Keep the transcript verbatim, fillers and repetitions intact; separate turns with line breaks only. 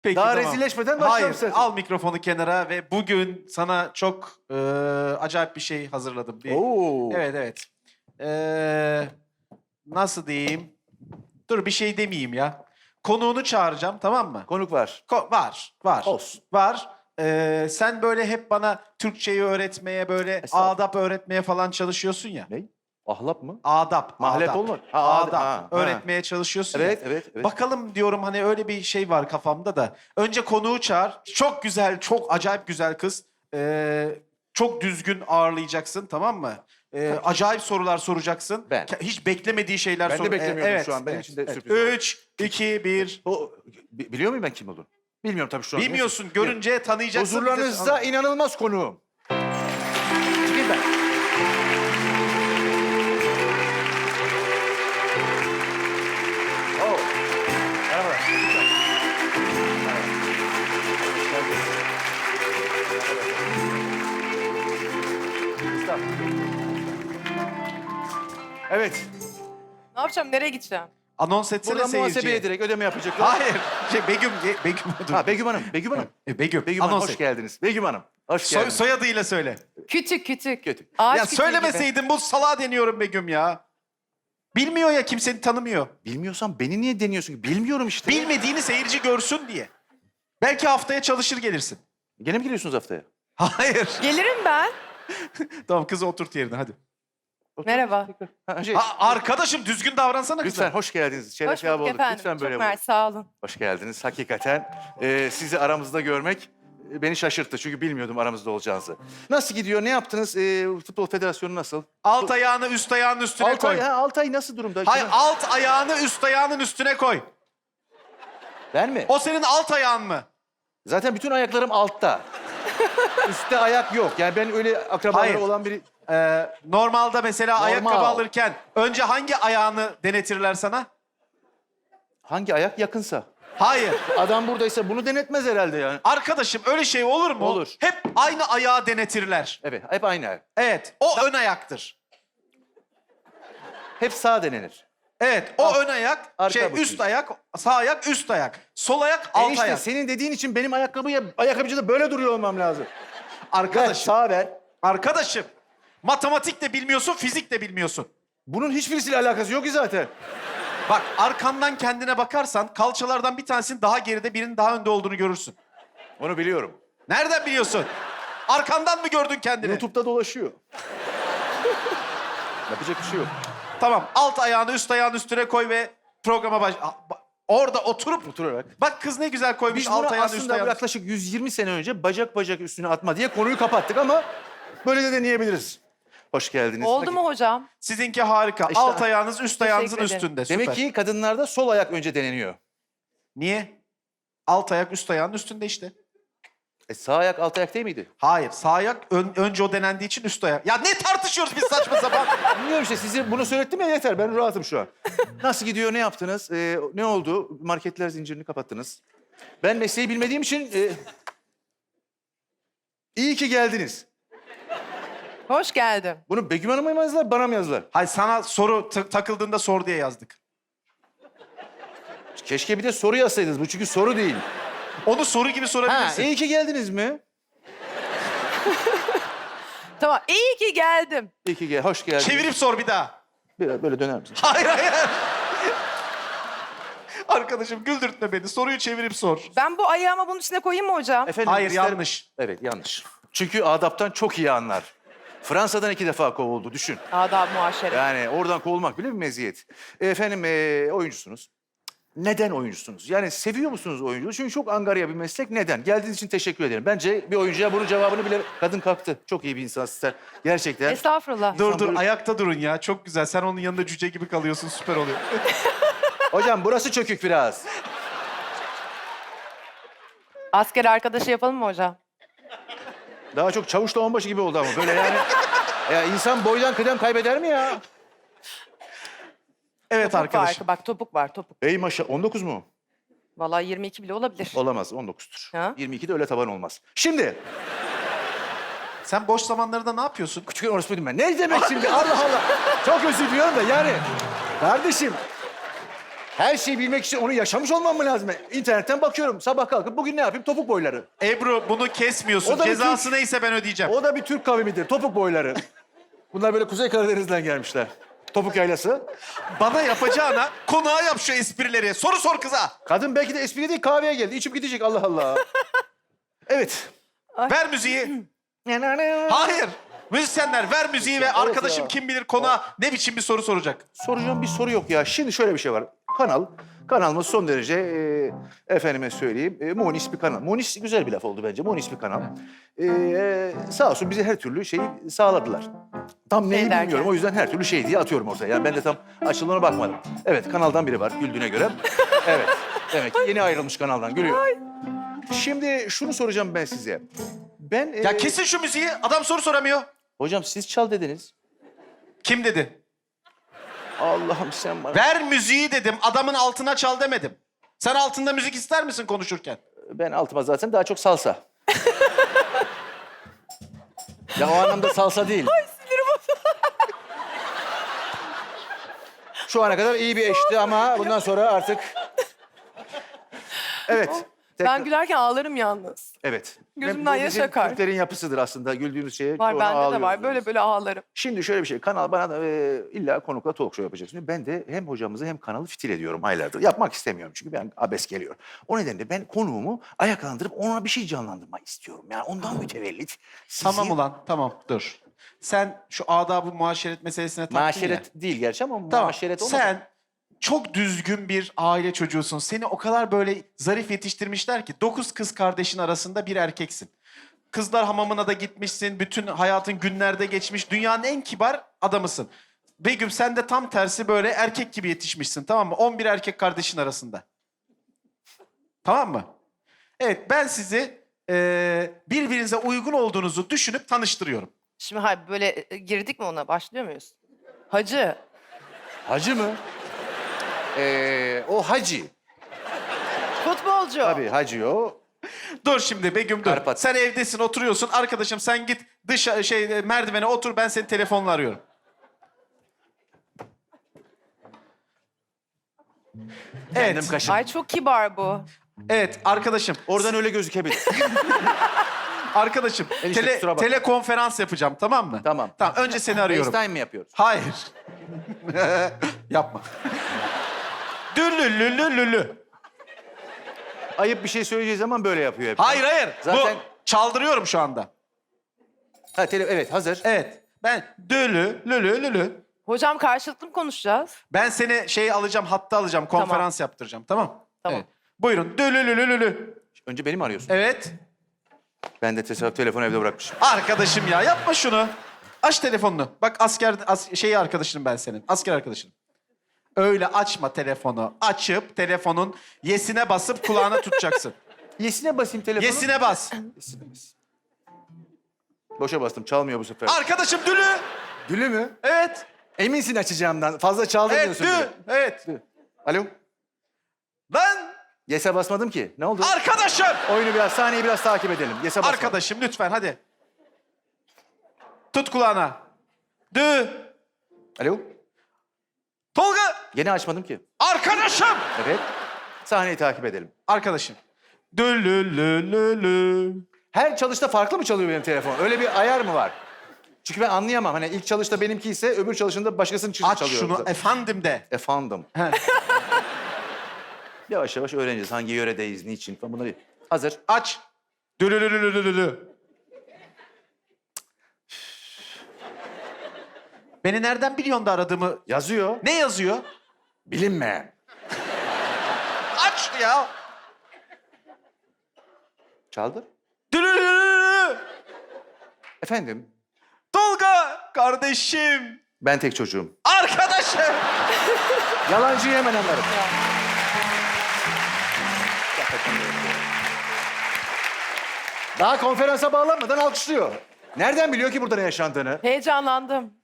Peki,
Daha
tamam.
rezilleşmeden başlayalım
Hayır,
istersen.
al mikrofonu kenara ve bugün sana çok e, acayip bir şey hazırladım. Bir,
Oo.
Evet, evet. Ee, nasıl diyeyim? Dur bir şey demeyeyim ya. Konuğunu çağıracağım, tamam mı?
Konuk var.
Ko- var, var.
Olsun.
Var. Ee, sen böyle hep bana Türkçeyi öğretmeye, böyle
Estağfurullah.
adap öğretmeye falan çalışıyorsun ya.
Ne? Ahlap mı?
Adap,
Mahlep
adap.
olmadı. Ha,
adap.
adap. Ha, ha.
öğretmeye çalışıyorsun ya.
Evet, evet, evet.
Bakalım diyorum, hani öyle bir şey var kafamda da. Önce konuğu çağır. Çok güzel, çok acayip güzel kız. Ee, çok düzgün ağırlayacaksın, tamam mı? Ee, acayip sorular soracaksın.
Ben.
Ke- Hiç beklemediği şeyler
Ben de
sor. Ee,
beklemiyordum
evet,
şu an. Benim
evet,
için de
evet.
sürpriz oldu.
Üç, iki, bir.
O, bi- biliyor muyum ben kim olduğunu? Bilmiyorum tabii şu an.
Bilmiyorsun,
Neyse.
görünce tanıyacaksın.
Huzurlarınızda inanılmaz konuğum. Çıkayım ben. Oo. Merhabalar. Evet.
Ne yapacağım? Nereye gideceğim?
Anons etsene
Buradan muhasebeye
seyirciye.
direkt ödeme yapacaklar.
Hayır. Şey, Begüm, Ge- Begüm. dur.
Ha Begüm Hanım, Begüm Hanım.
E, Begüm.
Begüm Hanım
Anons
hoş
et.
geldiniz. Begüm Hanım, hoş
Soy-
geldiniz.
soyadıyla söyle.
Kütük kütük.
Kötü.
Ağaç
Ya
kütüğü gibi.
söylemeseydin, bu salağa deniyorum Begüm ya. Bilmiyor ya, kimseni tanımıyor.
Bilmiyorsan beni niye deniyorsun ki? Bilmiyorum işte.
Bilmediğini seyirci görsün diye. Belki haftaya çalışır gelirsin.
Gene mi geliyorsunuz haftaya?
Hayır.
Gelirim ben.
Tamam, kızı oturt yerine hadi.
Merhaba.
Ha, şey,
Ha, arkadaşım düzgün davransana kıza.
lütfen hoş geldiniz. Şeref
Hoş
yap
bulduk
olduk.
efendim.
Lütfen böyle
Çok
buyurun.
mersi, sağ olun.
Hoş geldiniz. Hakikaten e, sizi aramızda görmek e, beni şaşırttı. Çünkü bilmiyordum aramızda olacağınızı. Nasıl gidiyor? Ne yaptınız? E, Futbol Federasyonu nasıl?
Alt ayağını üst ayağının üstüne
Altay,
koy.
ha, Altay nasıl durumda?
Hayır,
Kimin-
alt ayağını üst ayağının üstüne koy.
Ben mi?
O senin alt ayağın mı?
Zaten bütün ayaklarım altta. Üstte ayak yok. Yani ben öyle akrabaları
Hayır.
olan biri...
Ee, normalde mesela
Normal.
ayakkabı alırken önce hangi ayağını denetirler sana?
Hangi ayak yakınsa.
Hayır.
Adam buradaysa bunu denetmez herhalde yani.
Arkadaşım, öyle şey olur mu?
Olur.
Hep aynı ayağı denetirler.
Evet, hep aynı ayak.
Evet, o ön ayaktır.
Hep sağ denenir.
Evet, o ön ayak,
arka
şey
bakıyor.
üst ayak, sağ ayak, üst ayak. Sol ayak, alt
Enişte
ayak.
senin dediğin için benim ayakkabıya, ayakkabıcıda böyle duruyor olmam lazım. Ver,
Arkadaşım,
sağa ver.
arkadaşım. Matematik de bilmiyorsun, fizik de bilmiyorsun.
Bunun hiçbirisiyle alakası yok ki zaten.
Bak, arkandan kendine bakarsan kalçalardan bir tanesinin daha geride, birinin daha önde olduğunu görürsün.
Onu biliyorum.
Nereden biliyorsun? Arkandan mı gördün kendini?
YouTube'da dolaşıyor. Yapacak bir şey yok.
Tamam, alt ayağını üst ayağın üstüne koy ve programa baş... A- ba- Orada oturup...
Oturarak.
Bak kız ne güzel koymuş,
Biz
alt
bunu
ayağını üst
aslında
ayağını...
yaklaşık yüz yirmi sene önce bacak bacak üstüne atma diye konuyu kapattık ama böyle de deneyebiliriz. Hoş geldiniz.
Oldu mu hocam?
Sizinki harika.
İşte-
Alt ayağınız üst ayağınızın
ederim.
üstünde. Süper.
Demek ki kadınlarda sol ayak önce deneniyor.
Niye? Alt ayak üst ayağın üstünde işte.
E sağ ayak alt ayak değil miydi?
Hayır, sağ ayak ön- önce o denendiği için üst ayak. Ya ne tartışıyoruz biz saçma sapan?
Bilmiyorum işte size bunu söylettim ya yeter ben rahatım şu an. Nasıl gidiyor ne yaptınız? Ee, ne oldu? Marketler zincirini kapattınız. Ben mesleği bilmediğim için... e, iyi ki geldiniz.
Hoş geldim.
Bunu Begüm Hanım'a mı yazdılar bana mı yazdılar?
Hayır, sana soru ta- takıldığında sor diye yazdık.
Keşke bir de soru yazsaydınız bu çünkü soru değil.
Onu soru gibi
Ha
sorabilirsin.
iyi ki geldiniz mi?
Tamam, iyi ki geldim.
İyi ki gel, hoş geldiniz.
Çevirip sor bir daha.
Biraz böyle döner misin?
Hayır, hayır. Arkadaşım güldürtme beni. Soruyu çevirip sor.
Ben bu ayağıma bunun içine koyayım mı hocam?
Efendim,
Hayır,
isterim-
yanlış.
Evet yanlış. Çünkü adaptan çok iyi anlar. Fransa'dan iki defa kovuldu düşün.
Adab muaşere.
Yani oradan kovulmak bile bir meziyet. Efendim e, oyuncusunuz. Neden oyuncusunuz? Yani seviyor musunuz oyunculuğu? Çünkü çok angarya bir meslek. Neden? Geldiğiniz için teşekkür ederim. Bence bir oyuncuya bunun cevabını bile... Kadın kalktı. Çok iyi bir insan sizler. Gerçekten.
Estağfurullah.
Dur dur,
böyle-
ayakta durun ya. Çok güzel. Sen onun yanında cüce gibi kalıyorsun. Süper oluyor.
Hocam burası çökük biraz.
Asker arkadaşı yapalım mı hocam?
Daha çok çavuşla onbaşı gibi oldu ama böyle yani. Ya insan boydan kıdem kaybeder mi ya?
Evet
Topuk
arkadaşım.
var. Bak topuk var, topuk.
Ey maşa on dokuz mu?
Vallahi yirmi iki bile olabilir.
Olamaz on dokuzdur.
Ha?
yirmi ikide öyle taban olmaz. Şimdi
Sen boş zamanlarında ne yapıyorsun?
küçük orospuydum ben. Ne demek şimdi? Allah Allah. Çok özür diliyorum da yani. Kardeşim. Her şeyi bilmek için onu yaşamış olmam mı lazım? İnternetten bakıyorum. Sabah kalkıp bugün ne yapayım? Topuk boyları.
Ebru bunu kesmiyorsun.
O da bir
Cezası
Türk-
neyse ben ödeyeceğim.
O da bir Türk kavimidir. Topuk boyları. Bunlar böyle Kuzey Karadeniz'den gelmişler. Topuk yaylası.
Bana yapacağına konağa yap şu esprileri. Soru sor kıza.
Kadın belki de espri değil kahveye geldi. İçip gidecek Allah Allah. Evet.
Ver müziği. Hayır. Müzisyenler ver müziği ve
Evet
arkadaşım
ya.
kim bilir konağa ne biçim bir soru soracak.
Soracağım bir soru yok ya. Şimdi şöyle bir şey var. Kanal, kanalımız son derece e, efendime söyleyeyim e, monis bir kanal. Monis güzel bir laf oldu bence. Monis bir kanal. E, sağ olsun bize her türlü şeyi sağladılar. Tam neyi
Şey derken?
bilmiyorum. O yüzden her türlü şey diye atıyorum ortaya. Yani ben de tam açıldığına bakmadım. Evet kanaldan biri var güldüğüne göre. Evet. Demek ki yeni ayrılmış kanaldan gülüyor. Şimdi şunu soracağım ben size. Ben e,
Ya kesin şu müziği. Adam soru soramıyor.
hocam siz çal dediniz.
Kim dedi?
Allah'ım sen bana.
Ver müziği dedim. Adamın altına çal demedim. Sen altında müzik ister misin konuşurken?
Ben altıma zaten daha çok salsa. Ya o anlamda salsa değil. Ay sinirim Şu ana kadar iyi bir eşti ama bundan sonra artık... Evet. tekrar-
Ben gülerken ağlarım yalnız.
Evet.
Gözümden
Bu
yaş
bizim
akar.
Türklerin yapısıdır aslında. Güldüğümüz şeye
Var
çoğuna
bende de
ağlıyoruz
var. Böyle
biz.
böyle ağlarım.
Şimdi şöyle bir şey. Kanal bana da e, illa konukla talk show yapacaksın. Ben de hem hocamızı hem kanalı fitil ediyorum aylardır. Yapmak istemiyorum çünkü ben abes geliyor. O nedenle ben konuğumu ayaklandırıp ona bir şey canlandırmak istiyorum. Yani ondan mütevellit. Sizi...
Tamam ulan tamam dur. Sen şu adab-ı muaşeret meselesine taktın ya.
Maaşeret değil gerçi ama
Tamam.
maaşeret olmaz.
Sen çok düzgün bir aile çocuğusun. Seni o kadar böyle zarif yetiştirmişler ki dokuz kız kardeşin arasında bir erkeksin. Kızlar hamamına da gitmişsin. Bütün hayatın günlerde geçmiş. Dünyanın en kibar adamısın. Begüm sen de tam tersi böyle erkek gibi yetişmişsin tamam mı? on bir erkek kardeşin arasında. Tamam mı? Evet ben sizi eee, birbirinize uygun olduğunuzu düşünüp tanıştırıyorum.
Şimdi hayır böyle e, girdik mi ona? Başlıyor muyuz? Hacı.
Hacı mı? Ee, o hacı.
Futbolcu.
Tabii hacı o.
Dur şimdi Begüm dur.
Karpat.
Sen evdesin oturuyorsun. Arkadaşım sen git dış şey merdivene otur ben seni telefonla arıyorum.
Kendim
Evet.
kaşım.
Ay çok kibar bu.
Evet arkadaşım.
Oradan öyle gözükebilir.
Arkadaşım
Enişte,
tele,
kusura bakma.
telekonferans yapacağım tamam mı?
Tamam.
Tamam önce seni arıyorum.
FaceTime mi yapıyoruz?
Hayır. Yapma. Dülülülülülü.
Ayıp bir şey söyleyeceği zaman böyle yapıyor hep.
Hayır hayır.
Zaten-
Bu çaldırıyorum şu anda.
Ha, tele... Evet hazır.
Evet. Ben dülü lülü lülü.
Hocam karşılıklı mı konuşacağız?
Ben seni şey alacağım, hatta alacağım, konferans yaptıracağım. Tamam?
Tamam.
Evet. Buyurun. Dülülülülülü.
Önce beni mi arıyorsun?
Evet.
Ben de tesadüf telefonu evde bırakmışım.
Arkadaşım ya yapma şunu. Aç telefonunu. Bak asker as, şeyi arkadaşınım ben senin. Asker arkadaşınım. Öyle açma telefonu. Açıp telefonun yesine basıp kulağına tutacaksın.
Yesine basayım telefonu.
Yesine bas.
Yesine bas. Boşa bastım. Çalmıyor bu sefer.
Arkadaşım dülü.
Dülü mü?
Evet.
Eminsin açacağımdan. Fazla çaldın
Evet
diyorsun.
dü.
bir de.
Evet.
Dü. Alo.
Ben
Yes'e basmadım ki. Ne oldu?
arkadaşım.
Oyunu biraz, sahneyi biraz takip edelim. Yes'e basmadım.
Arkadaşım lütfen hadi. Tut kulağına. Dü.
Alo.
Tolga.
Yine açmadım ki.
Arkadaşım.
Evet. Sahneyi takip edelim.
Arkadaşım. Dülülülülü.
Her çalışta farklı mı çalıyor benim telefon? Öyle bir ayar mı var? Çünkü ben anlayamam. Hani ilk çalışta benimki ise öbür çalışında başkasının çı-
Aç
çalıyor.
şunu efendim de.
Efendim.
He.
Yavaş yavaş öğreneceğiz. Hangi yöredeyiz, niçin falan bunları. Hazır.
Aç. Dülülülülülülü. Beni nereden biliyorsun da aradığımı?
Yazıyor.
Ne yazıyor?
Bilinmeyen.
Aç ya.
Çaldır.
Dülülülülülü.
Efendim,
Tolga kardeşim.
ben tek çocuğum.
Arkadaşım.
Yalancıyı hemen anlarım. Daha konferansa bağlanmadan alkışlıyor. Nereden biliyor ki burada ne yaşandığını?
Heyecanlandım.